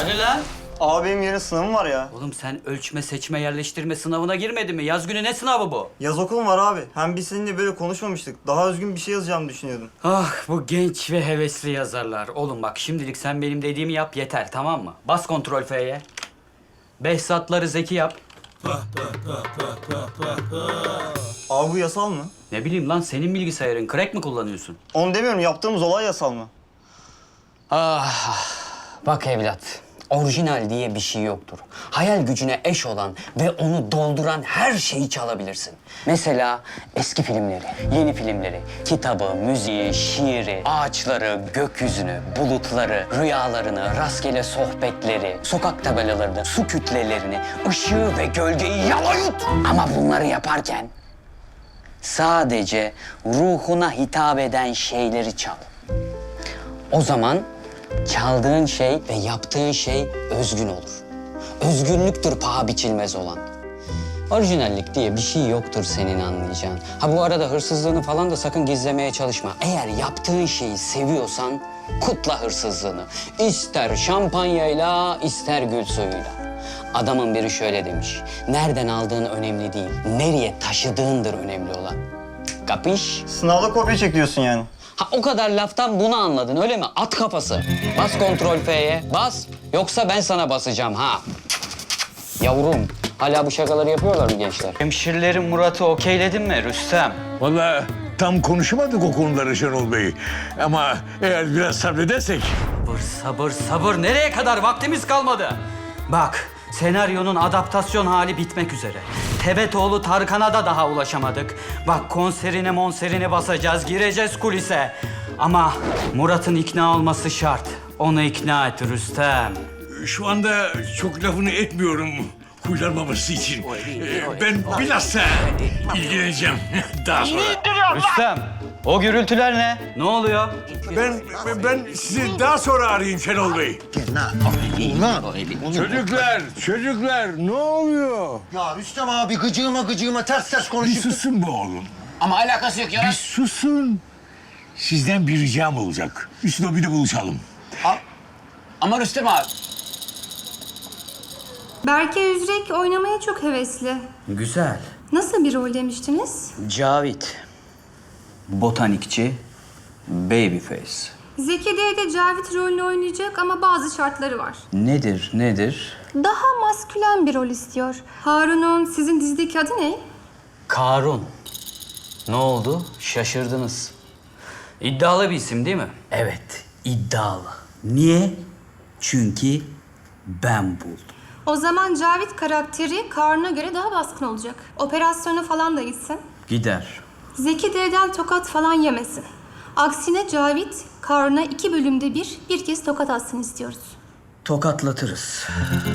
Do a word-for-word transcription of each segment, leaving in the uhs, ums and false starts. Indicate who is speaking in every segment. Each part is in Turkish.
Speaker 1: Hani lan?
Speaker 2: Abi benim yarın sınavım var ya.
Speaker 1: Oğlum sen ölçme, seçme, yerleştirme sınavına girmedin mi? Yaz günü ne sınavı bu?
Speaker 2: Yaz okulum var abi. Hem biz seninle böyle konuşmamıştık. Daha özgün bir şey yazacağımı düşünüyordum.
Speaker 1: Ah bu genç ve hevesli yazarlar. Oğlum bak şimdilik sen benim dediğimi yap yeter, tamam mı? Bas kontrol F'ye. Behzatları Zeki yap.
Speaker 2: Abi bu yasal mı?
Speaker 1: Ne bileyim lan, senin bilgisayarın crack mi kullanıyorsun?
Speaker 2: Onu demiyorum. Yaptığımız olay yasal mı?
Speaker 3: Ah, bak evlat, orijinal diye bir şey yoktur. Hayal gücüne eş olan ve onu dolduran her şeyi çalabilirsin. Mesela eski filmleri, yeni filmleri, kitabı, müziği, şiiri, ağaçları, gökyüzünü, bulutları, rüyalarını, rastgele sohbetleri, sokak tabelalarını, su kütlelerini, ışığı ve gölgeyi yalayut. Ama bunları yaparken sadece ruhuna hitap eden şeyleri çal. O zaman çaldığın şey ve yaptığın şey özgün olur. Özgünlüktür paha biçilmez olan. Orijinallik diye bir şey yoktur senin anlayacağın. Ha bu arada hırsızlığını falan da sakın gizlemeye çalışma. Eğer yaptığın şeyi seviyorsan kutla hırsızlığını. İster şampanyayla, ister gül suyuyla. Adamın biri şöyle demiş. Nereden aldığın önemli değil, nereye taşıdığındır önemli olan. Kapış?
Speaker 2: Sınavda kopya çekiyorsun yani.
Speaker 3: Ha o kadar laftan bunu anladın öyle mi? At kafası. Bas kontrol F'ye. Bas. Yoksa ben sana basacağım ha. Yavrum. Hala bu şakaları yapıyorlar mı gençler?
Speaker 1: Hemşirlerin Murat'ı okeyledin mi Rüstem?
Speaker 4: Vallahi tam konuşamadık o konuları Şenol Bey. Ama eğer biraz sabredersek...
Speaker 1: Sabır, sabır, sabır. Nereye kadar? Vaktimiz kalmadı. Bak, senaryonun adaptasyon hali bitmek üzere. Tebetoğlu Tarkan'a da daha ulaşamadık. Bak konserine monserine basacağız, gireceğiz kulise. Ama Murat'ın ikna olması şart. Onu ikna et Rüstem.
Speaker 4: Şu anda çok lafını etmiyorum huylanmaması için. Ee, Ben bilhassa ilgileneceğim daha sonra.
Speaker 1: Rüstem, o gürültüler ne? Ne oluyor?
Speaker 4: Ben ben sizi daha sonra arayayım Şenol Bey. Çocuklar, çocuklar ne oluyor?
Speaker 5: Ya Rüstem abi gıcığıma gıcığıma ters ters
Speaker 4: Bir
Speaker 5: konuşup...
Speaker 4: susun be oğlum.
Speaker 5: Ama alakası yok ya.
Speaker 4: Bir susun. Sizden bir ricam olacak. Üst lobide buluşalım.
Speaker 5: Ama Rüstem abi.
Speaker 6: Berke Üzrek oynamaya çok hevesli.
Speaker 1: Güzel.
Speaker 6: Nasıl bir rol demiştiniz?
Speaker 1: Cavit. Botanikçi. Babyface.
Speaker 6: Zeki de Cavit rolünü oynayacak ama bazı şartları var.
Speaker 1: Nedir, nedir?
Speaker 6: Daha maskülen bir rol istiyor. Harun'un sizin dizideki adı ne?
Speaker 1: Karun. Ne oldu? Şaşırdınız. İddialı bir isim değil mi? Evet, iddialı. Niye? Çünkü ben buldum.
Speaker 6: O zaman Cavit karakteri Karun'a göre daha baskın olacak. Operasyona falan da gitsin.
Speaker 1: Gider.
Speaker 6: Zeki D'den tokat falan yemesin. Aksine Cavit, Karun'a iki bölümde bir, bir kez tokat atsın istiyoruz.
Speaker 1: Tokatlatırız.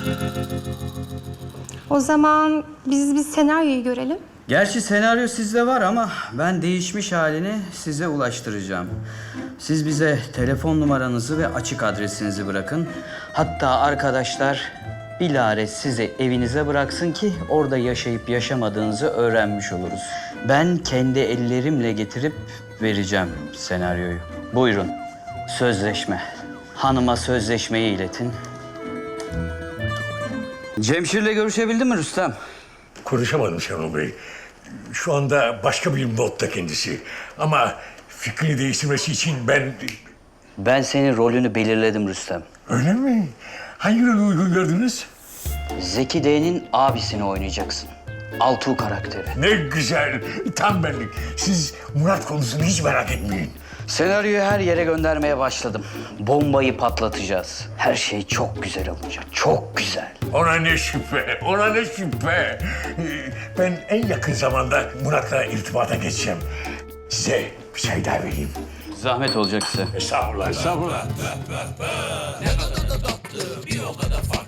Speaker 6: O zaman biz bir senaryoyu görelim.
Speaker 1: Gerçi senaryo sizde var ama ben değişmiş halini size ulaştıracağım. Siz bize telefon numaranızı ve açık adresinizi bırakın. Hatta arkadaşlar bilare sizi evinize bıraksın ki orada yaşayıp yaşamadığınızı öğrenmiş oluruz. Ben kendi ellerimle getirip vereceğim senaryoyu. Buyurun. Sözleşme. Hanıma sözleşmeyi iletin. Cemşir'le görüşebildin mi Rüstem?
Speaker 4: Konuşamadım Şenol Bey. Şu anda başka bir modda kendisi. Ama fikrini değiştirmesi için ben...
Speaker 1: Ben senin rolünü belirledim Rüstem.
Speaker 4: Öyle mi? Hangi rolü uygun gördünüz?
Speaker 1: Zeki D'nin abisini oynayacaksın. Altuğ karakteri.
Speaker 4: Ne güzel. Tam benlik. Siz Murat konusunu hiç merak etmeyin.
Speaker 1: Senaryoyu her yere göndermeye başladım. Bombayı patlatacağız. Her şey çok güzel olacak. Çok güzel.
Speaker 4: Ona ne şüphe, ona ne şüphe. Ee, Ben en yakın zamanda Murat'la irtibata geçeceğim. Size bir çay daha vereyim.
Speaker 1: Zahmet olacak size.
Speaker 4: Estağfurullah, estağfurullah.